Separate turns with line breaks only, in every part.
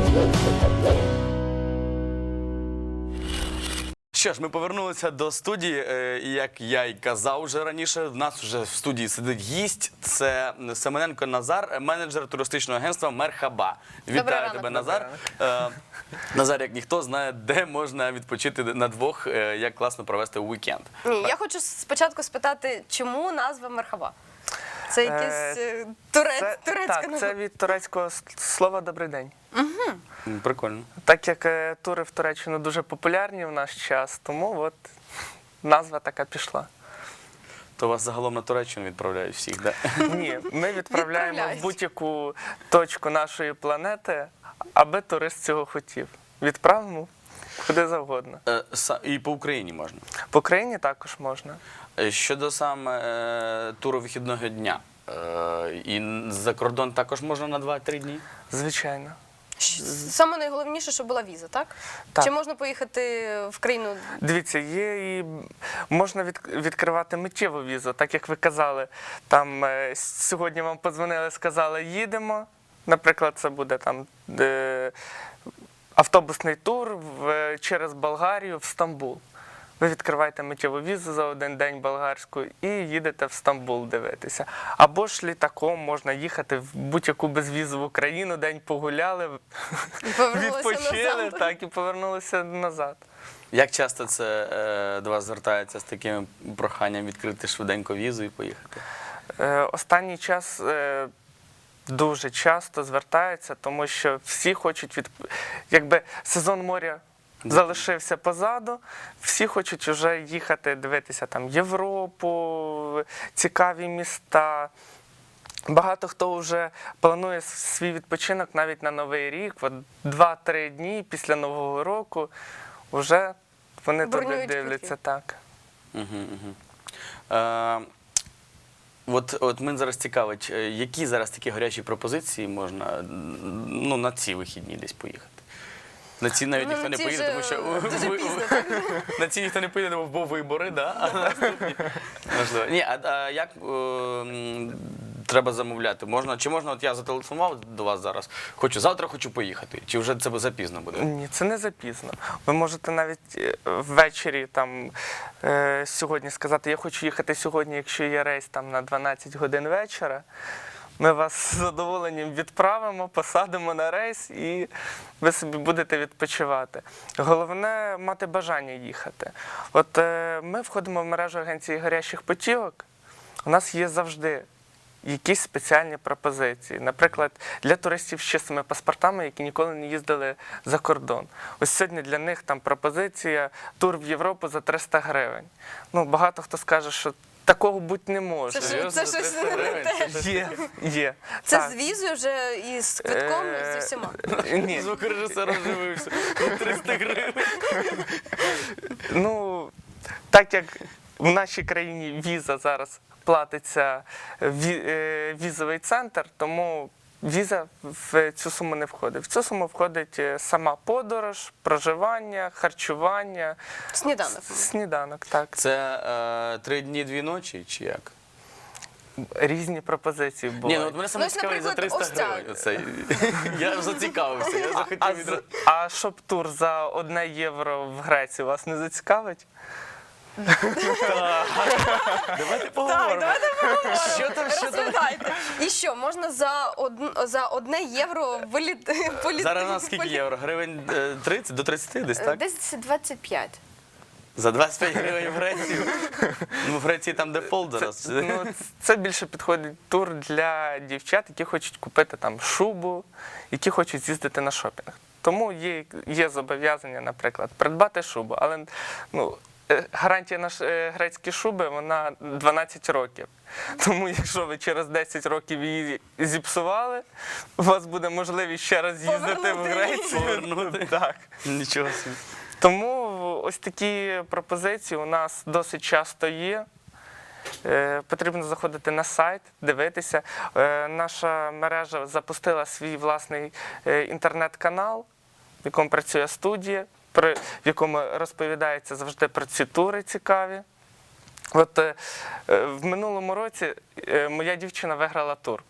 Що ж, ми повернулися до студії, і як я й казав вже раніше, в нас вже в студії сидить гість, це Семененко Назар, менеджер туристичного агентства «Мерхаба». Вітаю тебе, Назар. Назар, як ніхто, знає, де можна відпочити на двох, як класно провести уікенд.
Ні, я хочу спочатку спитати, чому назва «Мерхаба»? Це якась турецька назва?
Це від турецького слова «добрий день».
Прикольно.
Так як тури в Туреччину дуже популярні в наш час, тому от назва така пішла.
То вас загалом на Туреччину відправляють всіх, так?
Ні, ми відправляємо в будь-яку точку нашої планети, аби турист цього хотів. Відправимо куди завгодно.
І по Україні можна?
По Україні також можна.
Щодо саме туру вихідного дня, і за кордон також можна на 2-3 дні?
Звичайно.
Саме найголовніше, щоб була віза, так?
Так.
Чи можна поїхати в країну?
Дивіться, є і можна відкривати миттєву візу, так як ви казали. Там сьогодні вам подзвонили, сказали, їдемо. Наприклад, це буде там автобусний тур через Болгарію в Стамбул. Ви відкриваєте миттєву візу за один день болгарську і їдете в Стамбул дивитися. Або ж літаком можна їхати в будь-яку безвізову країну, день погуляли, відпочили, так, і повернулися назад.
Як часто це до вас звертається з таким проханням відкрити швиденько візу і поїхати?
Останній час дуже часто звертаються, тому що всі хочуть, якби сезон моря залишився позаду, всі хочуть вже їхати, дивитися там Європу, цікаві міста. Багато хто вже планує свій відпочинок навіть на Новий рік, 2-3 дні після Нового року вже вони туди дивляться. Так.
От мене зараз цікавить, які зараз такі гарячі пропозиції можна на ці вихідні десь поїхати? На ці навіть ніхто не поїде, тому що на ці ніхто не поїде, бо вибори, а наступні можливо. Ні, а як треба замовляти? Чи можна, от я зателефонував до вас зараз, завтра хочу поїхати, чи вже це запізно буде?
Ні, це не запізно. Ви можете навіть ввечері сьогодні сказати, я хочу їхати сьогодні, якщо є рейс там на 12 годин вечора. Ми вас з задоволенням відправимо, посадимо на рейс і ви собі будете відпочивати. Головне – мати бажання їхати. От ми входимо в мережу агенції гарячих путівок, у нас є завжди якісь спеціальні пропозиції. Наприклад, для туристів з чистими паспортами, які ніколи не їздили за кордон. Ось сьогодні для них там пропозиція тур в Європу за 300 гривень. Багато хто скаже, що такого бути не може.
Це щось не те.
Є.
Це з візою вже і з квитком, і зі всіма?
Ні.
Звукорежисер оживився. 300 гривень.
Так як в нашій країні віза зараз платиться візовий центр, тому віза в цю суму не входить. В цю суму входить сама подорож, проживання, харчування.
Сніданок.
Сніданок, так.
Це 3 дні, 2 ночі, чи як?
Різні пропозиції були.
Ні, мене саме цікавить за 300 гривень. Я ж зацікавився, я захотів відразу.
А щоб тур за 1 євро в Грецію вас не зацікавить?
Давайте поговоримо.
Розповідайте. І що, можна за 1 євро політати?
Зараз у нас скільки євро? Гривень 30 до 30 десь, так?
Десь 25.
За 25 гривень в Грецію? В Греції там дефолт зараз.
Це більше підходить тур для дівчат, які хочуть купити там шубу, які хочуть з'їздити на шопінг. Тому є зобов'язання, наприклад, придбати шубу. Але гарантія на грецькі шуби, вона 12 років. Тому якщо ви через 10 років її зіпсували, у вас буде можливість ще раз їздити в Грецію.
Повернути.
Так.
Нічого собі.
Тому ось такі пропозиції у нас досить часто є. Потрібно заходити на сайт, дивитися. Наша мережа запустила свій власний інтернет-канал, в якому працює студія, в якому розповідається завжди про ці тури цікаві. От в минулому році моя дівчина виграла тур.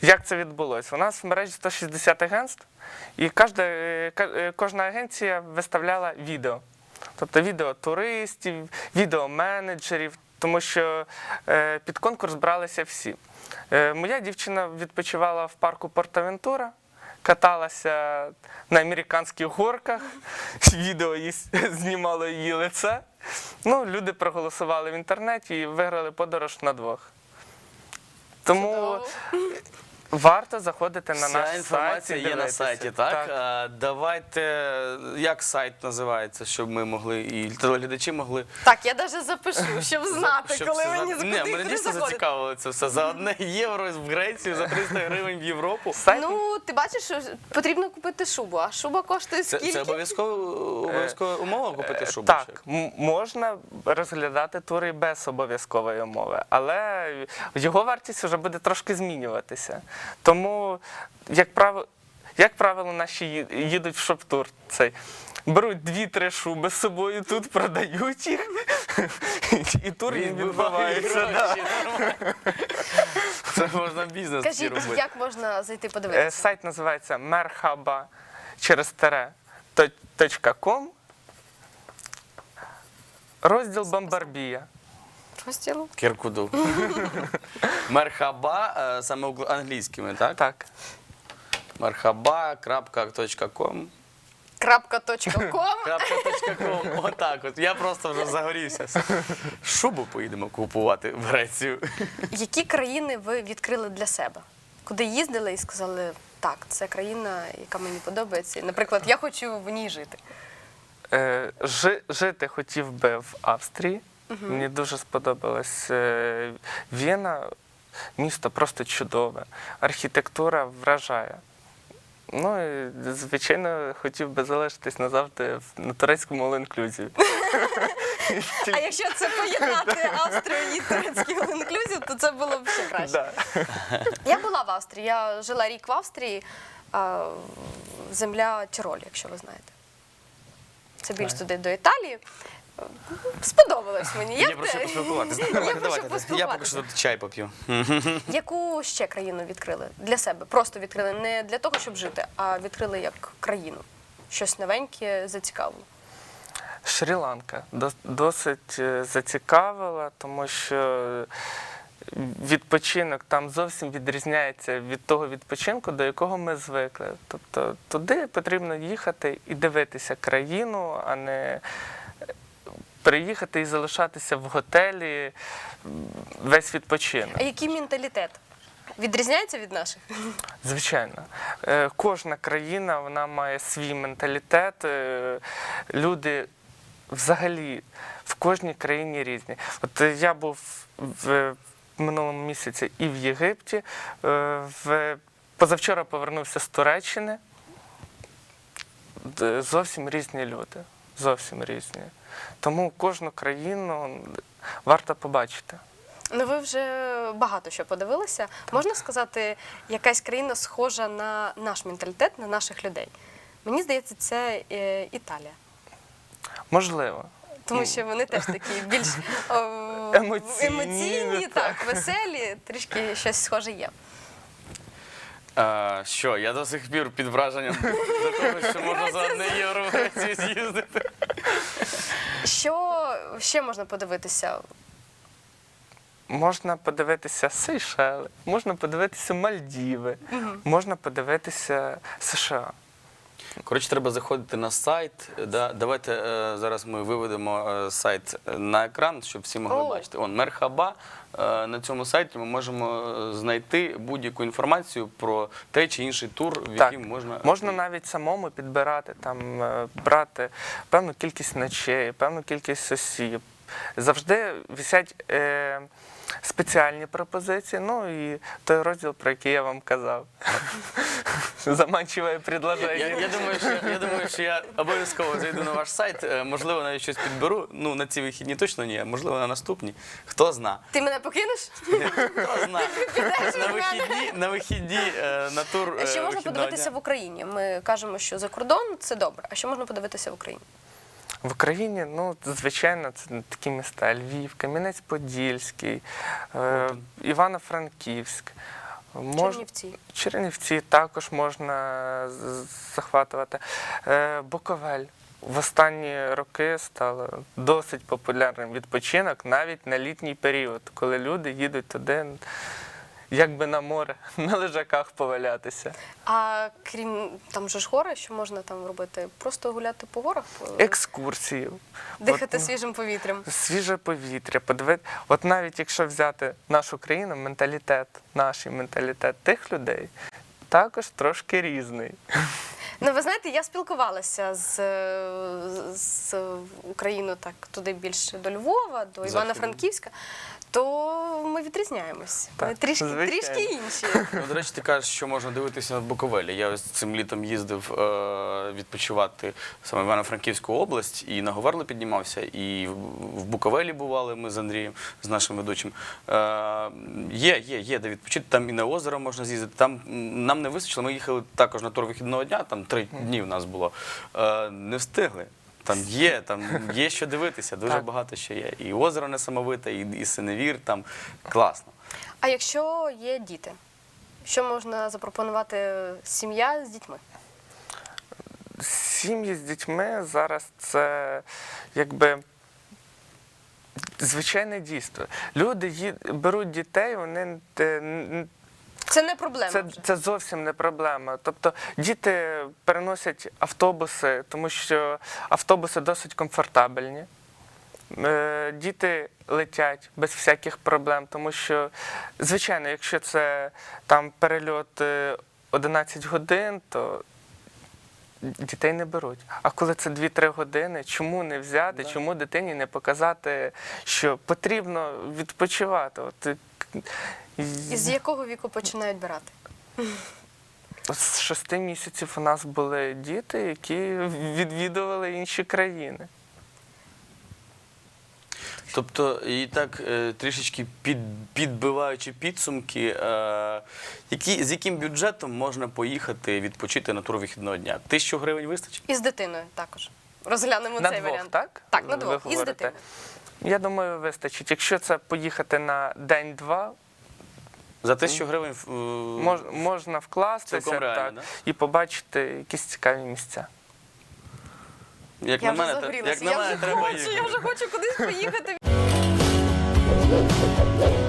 Як це відбулося? У нас в мережі 160 агентств, і кожна агенція виставляла відео. Тобто відео туристів, відео менеджерів, тому що під конкурс бралися всі. Моя дівчина відпочивала в парку Порт-Авентура, каталася на американських горках, відео знімало її лице. Ну, люди проголосували в інтернеті і виграли подорож на двох. Тому варто заходити на наш сайт.
Ця інформація є на сайті, так? Давайте, як сайт називається, щоб ми могли, і телеглядачі могли...
Так, я навіть запишу, щоб знати,
щоб
коли
все
мені
знати. Ні, мене
куди
дійсно
заходити.
зацікавило це все. За 1 євро в Грецію, за 300 гривень в Європу.
Ну, ти бачиш, що потрібно купити шубу, а шуба коштує скільки?
Це обов'язкова умова купити шубу?
Так, можна розглядати тури без обов'язкової умови, але його вартість вже буде трошки змінюватися. Тому, як правило, наші їдуть в шоп-тур. Беруть 2-3 шуби з собою, тут продають їх, і тур їм відбувається.
Це можна бізнес
Кажіть,
робити.
як можна зайти подивитися?
Сайт називається merhaba.com, розділ Бомбарбія.
Розділ?
Кіркуду. Мерхаба, саме англійськими, так?
Так.
Merhaba.com.
Крапка.ком.
Отак от. Я просто вже загорівся. Шубу поїдемо купувати в Грецію.
Які країни ви відкрили для себе? Куди їздили і сказали, так, це країна, яка мені подобається. Наприклад, я хочу в ній жити.
Жити хотів би в Австрії. Мені дуже сподобалась Вена. Місто просто чудове. Архітектура вражає. Ну і, звичайно, хотів би залишитись назавжди на турецькому all-inclusive.
А якщо це поєднати Австрію і турецький all-inclusive, то це було б ще краще. Я була в Австрії, я жила рік в Австрії, земля Тироль, якщо ви знаєте. Це більш туди до Італії. Сподобалось мені.
Я прошу поспілкуватися. Давайте. Я поки що тут чай поп'ю.
Яку ще країну відкрили для себе? Просто відкрили не для того, щоб жити, а відкрили як країну. Щось новеньке зацікавило.
Шрі-Ланка досить зацікавила, тому що відпочинок там зовсім відрізняється від того відпочинку, до якого ми звикли. Тобто туди потрібно їхати і дивитися країну, а не приїхати і залишатися в готелі весь відпочинок.
А який менталітет? Відрізняється від наших?
Звичайно. Кожна країна вона має свій менталітет. Люди взагалі в кожній країні різні. От я був в минулому місяці і в Єгипті, позавчора повернувся з Туреччини. Зовсім різні люди. Зовсім різні. Тому кожну країну варто побачити.
Ну, ви вже багато що подивилися. Можна сказати, якась країна схожа на наш менталітет, на наших людей? Мені здається, це Італія.
Можливо.
Тому що вони теж такі більш емоційні, так, веселі, трішки щось схоже є.
Що, я до сих пір під враженням до того, що можна за 1 євро в Грецію з'їздити.
Що ще можна подивитися?
Можна подивитися Сейшели, можна подивитися Мальдіви, можна подивитися США.
Коротше, треба заходити на сайт. Давайте зараз ми виведемо сайт на екран, щоб всі могли бачити. Мерхаба. На цьому сайті ми можемо знайти будь-яку інформацію про той чи інший тур, в який можна...
Можна навіть самому підбирати, брати певну кількість ночей, певну кількість осіб. Завжди висять спеціальні пропозиції, ну і той розділ, про який я вам казав. Заманчиве предложення.
Я думаю, що я обов'язково зайду на ваш сайт, можливо, навіть щось підберу. Ну, на ці вихідні точно ні, можливо, на наступні. Хто зна.
Ти мене покинеш?
Хто зна. На вихідні, на тур.
Що можна подивитися в Україні? Ми кажемо, що за кордон – це добре. А що можна подивитися в Україні?
В Україні, ну, звичайно, це такі міста: Львів, Кам'янець-Подільський, Івано-Франківськ,
Чернівці.
Чернівці також можна захватувати. Буковель в останні роки стало досить популярним відпочинок навіть на літній період, коли люди їдуть туди, якби на море, на лежаках повалятися.
А крім там же ж гори, що можна там робити? Просто гуляти по горах?
Екскурсії.
Дихати
От,
свіжим повітрям?
свіже повітря, подивити. От навіть якщо взяти нашу країну, наш менталітет тих людей також трошки різний.
Ну, ви знаєте, я спілкувалася з Україною так туди більше до Львова, до Івано-Франківська, то ми відрізняємось. Ми
Так,
трішки
звичайно.
інші.
Ну, до речі, ти кажеш, що можна дивитися на Буковелі. Я ось цим літом їздив відпочивати саме в Івано-Франківську область і на Говерло піднімався, і в Буковелі бували ми з Андрієм, з нашим ведучим. Є де відпочити, там і на озеро можна з'їздити. Там нам не вистачило, ми їхали також на тур вихідного дня, там 3 дні в нас було. Не встигли. Там є що дивитися, дуже
Так.
багато що є. І озеро несамовите, і синевір, там класно.
А якщо є діти, що можна запропонувати сім'я з дітьми?
Сім'ї з дітьми зараз це якби звичайне дійство. Люди беруть дітей, вони
Це не проблема вже.
це зовсім не проблема. Тобто діти переносять автобуси, тому що автобуси досить комфортабельні. Діти летять без всяких проблем, тому що, звичайно, якщо це там перельот 11 годин, то дітей не беруть. А коли це 2-3 години, чому не взяти, чому дитині не показати, що потрібно відпочивати?
І з якого віку починають брати?
З 6 місяців у нас були діти, які відвідували інші країни.
Тобто, і так трішечки підбиваючи підсумки, з яким бюджетом можна поїхати відпочити на тур вихідного дня? 1000 гривень вистачить?
І з дитиною також. Розглянемо
На
цей
двох,
варіант.
так?
Так, на
Ви
двох. І з
говорите?
дитиною.
Я думаю, вистачить. Якщо це поїхати на день-два,
За 1000 гривень
можна вкластися
Цілком реально,
так,
да?
і побачити якісь цікаві місця.
як
Я
на
вже
мене,
загорілася.
як на мене, треба їхати.
Я вже хочу кудись поїхати.